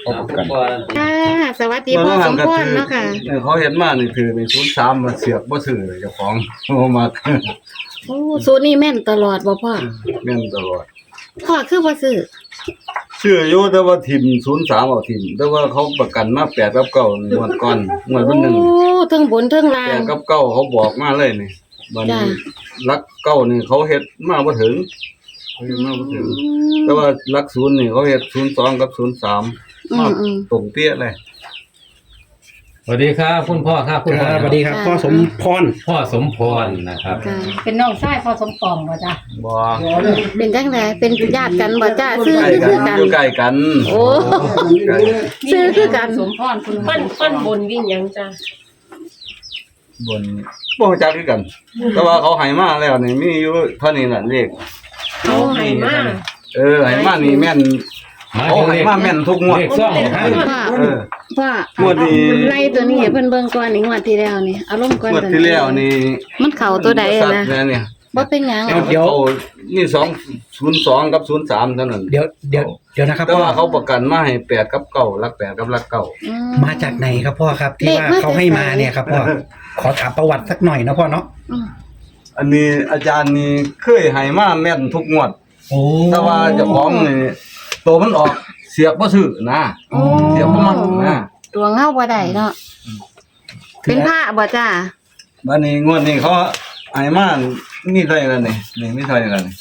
เขาประกันค่ะสวัสดีพ่อสมพรเนาะค่ะเขาเห็นมานี่คือใน03มาเสียบบ่ซื้อเลยเจ้าของเอามาโอ้สูตรนี้แม่นตลอดบ่พ่อแม่นตลอดพ่อคือบ่ซื้อชื่ออยู่แต่ว่าทิม03เอาทิมแต่ว่าเขาประกันมา8กับ9งวดก่อนงวดวันหนึงโอ้ทั้งบนทั้งล่าง 8กับ9เขาบอกมาเลยนี่บัดนี้จ้ะลัก9นี่เขาเฮ็ดมาบ่ถึงเขาเฮ็ดมาบ่ถึงแต่ว่าลัก0นี่เขาเฮ็ด02กับ03มาตรงเปี้ยเลยสวัสดีครับคุณพ่อครับคุณพ่อสวัสดีครับพ่อสมพรพ่อสมพรนะครับค่ะเป็นน้องชายพ่อสมปองบ่จ้ะบ่เป็นจังไดเป็นญาติกันบ่จ้าซื้อใกล้กัคืนอกันอยู่ใกล้กันโอ้ใกล้ซื้อคือกันสมพรคุณปั้นบนวิ่งยังจ้ะบนบ่รู้จักคือกัน แต่ว่าเขาให้มาแล้วนี่มีอยู่เท่านี้น่ะเลขเขาให้มาให้มานี่แม่นมาเขาถึงให้เลขมาแม่นทุกงวดเลขซ่องของพ่อเออพ่องวดนี้ไล่ตัวนี้ให้เพิ่นเบิ่งก่อนนี่งวดที่แล้วนี่เอาลงก่อนงวดที่แล้วนี่มันเข้าตัวใดสัตนะว์เนี่ยบ่เป็นหยังเดี๋ยวเขานี่202กับ03เท่านั้นเดี๋ยวนะครับแต่พ่อว่าเขาประกันมาให้8กับ9หลัก8กับหลัก9 อืมาจากไหนครับพ่อครับที่ว่าเขาให้มาเนี่ยครับพ่อขอถามประวัติสักหน่อยนะพ่อเนาะอืมอันนี้อาจารย์นี่เคยให้มาแม่นทุกงวดโอ้แต่ว่าเจ้าของนี่ตัวมันออกเสียบบ่ซื้อนะโอ้เสียบบ่มันนะตัวเงาบ่ได้เนาะเป็นพระบ่จ้าบัดนี้งวดนี้เขาให้มามีเท่าไหร่แล้วนี่มีเท่าไหร่แล้วนี่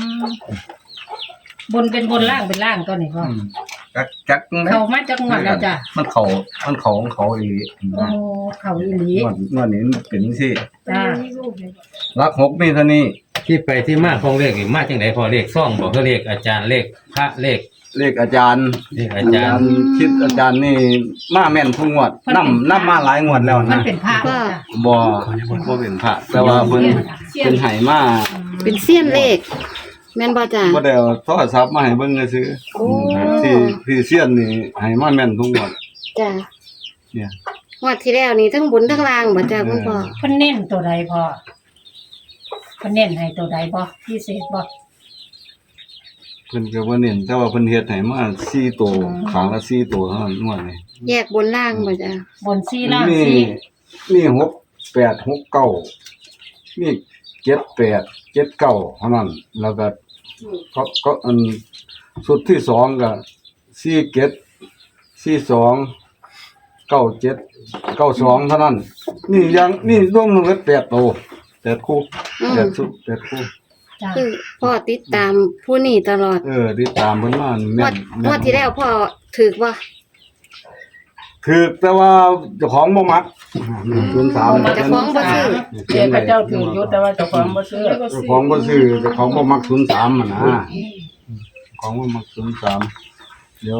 บนเป็นบนล่างเป็นล่างตัวนี้พ่อจักเขามาจากงวดแล้วจ้ะมันเขาของเขาอีกโอ้เขาอีหลีงวดนี้มันเป็นจังซี่จ้ารัก6มีเท่านี้ที่ไปที่มาของเลขนี่มาจังไหนพ่อเลขซ่องบอกก็เลขอาจารย์เลขพระเลขเลขอาจารย์เลขอาจารย์คิดอาจารย์นี่มาแม่นทุกงวดนำมาหลายงวดแล้วมันนะเป็นพระจ้ะบ่เป็นพระแต่ว่าเพิ่นเป็นให้มาเป็นเสี้ยนเลขแม่นบ่จ้าบ่ได้เอาโทรศัพท์มาให้เบิ่งซื่อโอ้ที่เซียนนี่ให้มาแม่นทุกงวดจ้าเนี่ยงวดที่แล้วนี่ทั้งบนทั้งล่างบ่จ้าคุณพ่อเพิ่นเน้นตัวใดพ่อเพิ่นเน้นให้ตัวใดบ่พิเศษบ่เพิ่นก็บ่เน้นแต่ว่าเพิ่นเฮ็ดให้มา4ตัวขางละ4ตัวเท่านั้นงวดนี้แยกบนล่างบ่จ้าบนซี่ล่างมีซี่มี6 8 6 9มี7 8 7 9เท่านั้นแล้วก็ก็อันสุดที่2ก็4 7 4 2 9 7 9 2เท่านั้นนี่รวมแล้ว8ตัว8คู่8ชุด8คู่จ้าคือพ่อติดตามผู้นี้ตลอดติดตามเพิ่นมานี่งแม่วดนงวดที่แล้วพ่อถูกบ่คือแต่ว่าเจ้าของบ่มัก03 เจ้าของบ่ซื้อเจ้าพระเจ้าถือยุทธแต่ว่าเจ้าของบ่ซื้อเจ้าของบ่ซื้อเจ้าของบ่มัก03อ่ะนะของบ่มัก03เดี๋ยว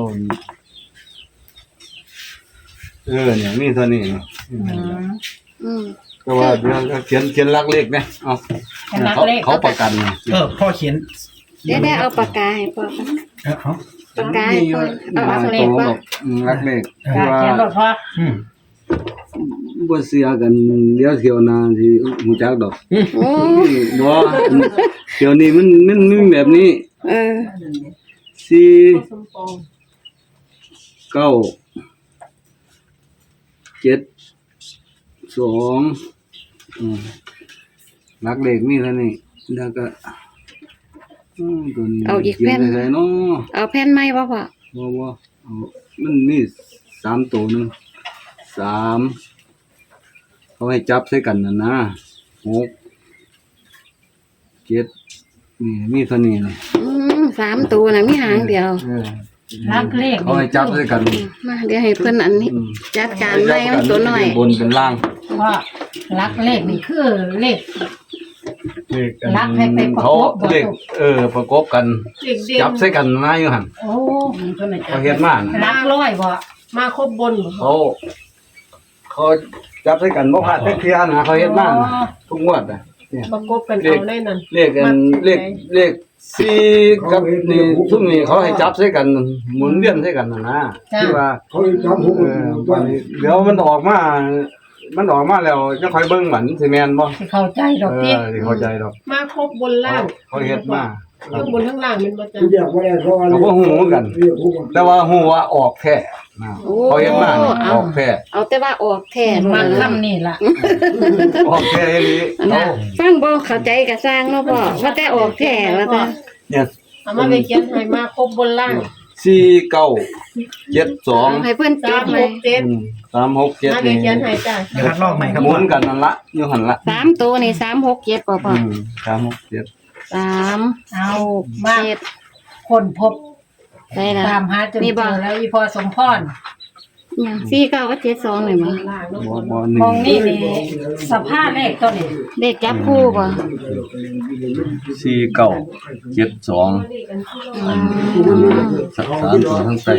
เนี่ยมีเท่านี้อืมแต่ว่าเดี๋ยวเขียนลักเลขนะเอาเป็นนักเลขเขาประกันเนี่ยพ่อเขียนได้เอาปากกาให้พ่อค่ะเอาปากกาให้พ่อเอาเลขบ่ลักเลขจ้าว่าเขียนรถพ่อบ่เสียกันเดี๋ยวเที่ยวหน้าสิฮู้จักดอกโอ้บ่เดี๋ยวนี้มันมีแบบนี้เออสี่สมปองเก้า7 2ลักเลขมีเท่านี้แล้วก็ตัวนี้เอาอีกแผ่นเขียนใส่เนาะเอาแผ่นไม้บ่พ่อบ่เอามันมี3ตัวนึง3เขาให้จับใส่กันน่ะนะ6 7นี่มีเท่านี้เลย 3ตัวน่ะมีหางเดียวนักเลขเขาให้จับใส่กันมาเดี๋ยวให้เพิ่นอันนี้ จัดการไม้มันตัวน้อยบนเป็นล่างพ่อรักเลขนี่คือเลขเลขลักให้ไปประกบบ่เลขประกบกันเด็กเด่นจับใส่กันมาอยู่หั่นโอ้เขาเฮ็ดมาน่ะรักร้อยบ่มาครบบนเขาจับใส่กันบ่พลาดเที่ยนะเขาเฮ็ดมาน่ะทุกงวดน่ะเนี่ยประกบกันเอาได้นั่นเลข4กับนี่ซุมนี้เขาให้จับใส่กันหมุนเวียนใส่กันน่ะนะที่ว่าเขาจับผมวันนี้เดี๋ยวมันออกมามันออกมาแล้วจะค่อยเบิ่งหมันสิแม่นบ่สิเข้าใจดอกติสิเข้าใจดอกมาครบบนล่างเขาเฮ็ดมาข้างบนข้างล่างมันบ่จ้ะเขาบ่ฮู้เหมือนกัน แต่ว่าฮู้ว่าออกแท้นะโอ้เขาเฮ็ดมานี่ออกแท้เอาแต่ว่าออกแท้มัมานคำนี่ล่ะออกแท้อีหลีนะฟังบ่เข้าใจก็สร้างเนาะพ่อว่าแต่ออกแท้ว่าแต่เนี่ยเอามาไปเขียนให้มาครบบนล่าง 4972 ให้เพิ่นจดไว้ 367 มาไป 367นี่เขียนให้จ้ะเดี๋ยวคัดลอกใหม่ครับหพ่มุอนกันนั่นละอยู่หั่นละ 3ตัวนี่367บ่พ่อ 367 3 เอามา 7 คนพบได้ละตามหาจนมีเจบ่อแล้วอีพอสมพรเนี่ย49กับ72นี่บ่ล่างเนาะบ่หนึ่มองนี่นี่สภาพเลขตัวนี้เลขจับคู่บ่ 4972 อืมสามตัวทั้งใส่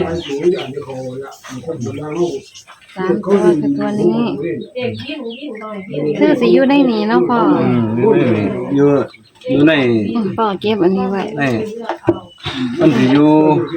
3ตัวคือตัวนี้เด็กยิ่งหน่อยยิ่งคือสิอยู่ในนี้เนาะพ่ออยู่ในพ่อเก็บอันนี้ไว้ในมันสิอยู่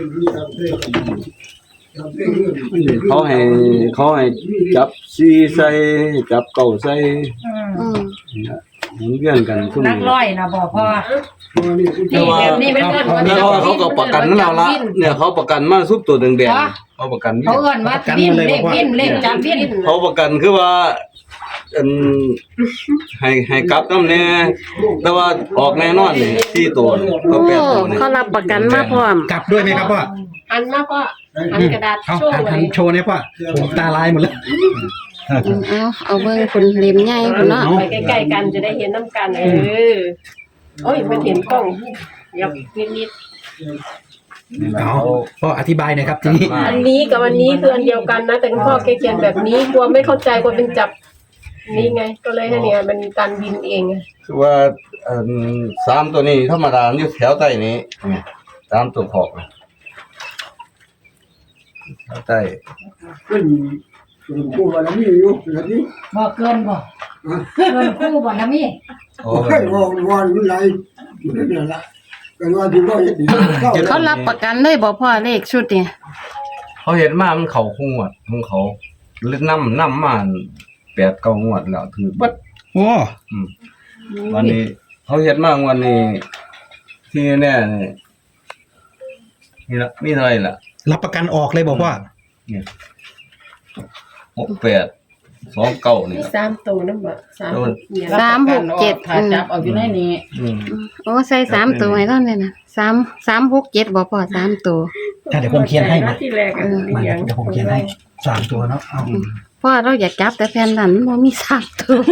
เขาให้จับซีใส่จับเก่าใส่อืมหมุนเวียนกันซุ่มนักร้อยนะบอกพ่อแต่ว่าแบบนี้เป็นเอิ้นว่าแล้วเขาก็ประกันเราละเนี่ยเขาประกันมาซุปตัวแดงๆเขาประกันเขาเอิ้นว่าวินเลขวินเลขจับวินเขาประกันคือว่าอันให้กลับนำแน่แต่ว่าออกแน่นอนนี่4ตัวก็โอ้ 8ตัวนี่เขารับประกันมาพร้อมกลับด้วยไหมครับพ่ออันมาก็อันกระดาษเอาโชว์หัไว้นโชว์เนี่ยพ่อผมตาลายหมดแล้วเอาเบิ่งคุณเล่มใหญ่พุ่นเนาะไปใกล้ๆกันจะได้เห็นน้ำกันโอ้ยมันเห็นกล้องยับนิดเอาพ่ออธิบายหน่อยครับทีนี้ๆอันนี้กับอันนี้คืออันเดียวกันนะแต่คุณพ่อแกเขียนแบบนี้กลัวไม่เข้าใจกลัวเป็นจับนี่ไง ก็เลยให้เนี่ยมันการบินเองไงคือว่า3ตัวนี้ธรรมดาอยู่แถวใต้นี้เนี่ย3ตัวขอบนะแถวใต้บ่เกินบ่เกินคู่บ่นะมี่โอ้เขารับประกันเลยบ่พ่อเลขชุดนี่เขาเห็นมามันเขาคงวดของเขาเล่นน้ำมา8-9 งวดแล้วถือบัดโอ้วันนี้เขาเห็นมากวันนี้ที่แน่นี่ละมีเท่าไหร่ล่ะรับประกันออกเลยบอกว่าเนี่ย6829นี่มีล่ะ 3ตัวนั่นบ่เนี่ย 367 ถ้าจับเอาอยู่ในนี้โอ้ใส่3ตัวให้ตอนนี้นะ367บ่พ่อ3ตัวถ้าเดี๋ยวผมเขียนให้นะที่แรกอ่ะมาเดี๋ยวผมเขียนให้3ตัวเนาะเอาพ่อเราอยากจับแต่แผ่นนั้นบ่มี3ตัว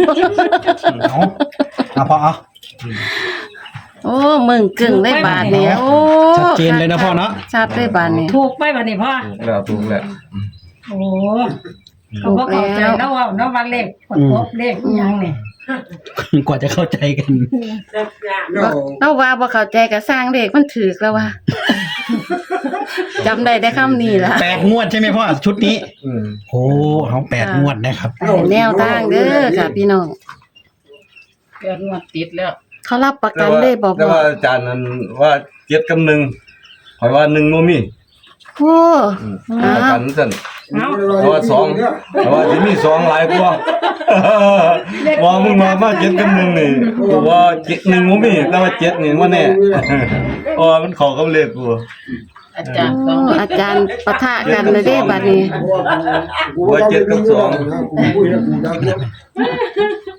เอาพ่อเอาโอ้มึงกึ่งเลยบาทนี่โอ้ชัดเจนเลยนะพ่อเนาะชัดเลยบาทนี่ถูกไปบัดนี้พ่อถูกแล้วโอ้เขาบ่เข้าใจแล้วว่าเนาะว่าเลขกดพบเลขอีหยังนี่กว่าจะเข้าใจกันเราว่าบ่เข้าใจก็สร้างเลขมันถูกแล้วว่าจำได้แต่คำนี้ล่ะ 8 งวดใช่ไหมพ่อชุดนี้อืมโอ้เอา8 งวดนะครับให้แนวทางเด้อค่ะพี่น้องเกิดงวดติดแล้วเขารับประกันเลยบ่แต่พ่อว่าอาจารย์นั้นว่า7กับ1ข่อยว่า1บ่มีโอ้ประกันซั่นเอ้าเพราะว่า2แต่ว่าสิมี2หลายกว่าว่ามึงมา7กับ1นี่กูว่า1บ่มีแต่ว่า7นี่ว่าแน่เพราะว่ามันเข้ากับเลขกูอาจารย์โอ้อาจารย์ปะทะกันเลยเด้บัดนี้ว่า7กับ2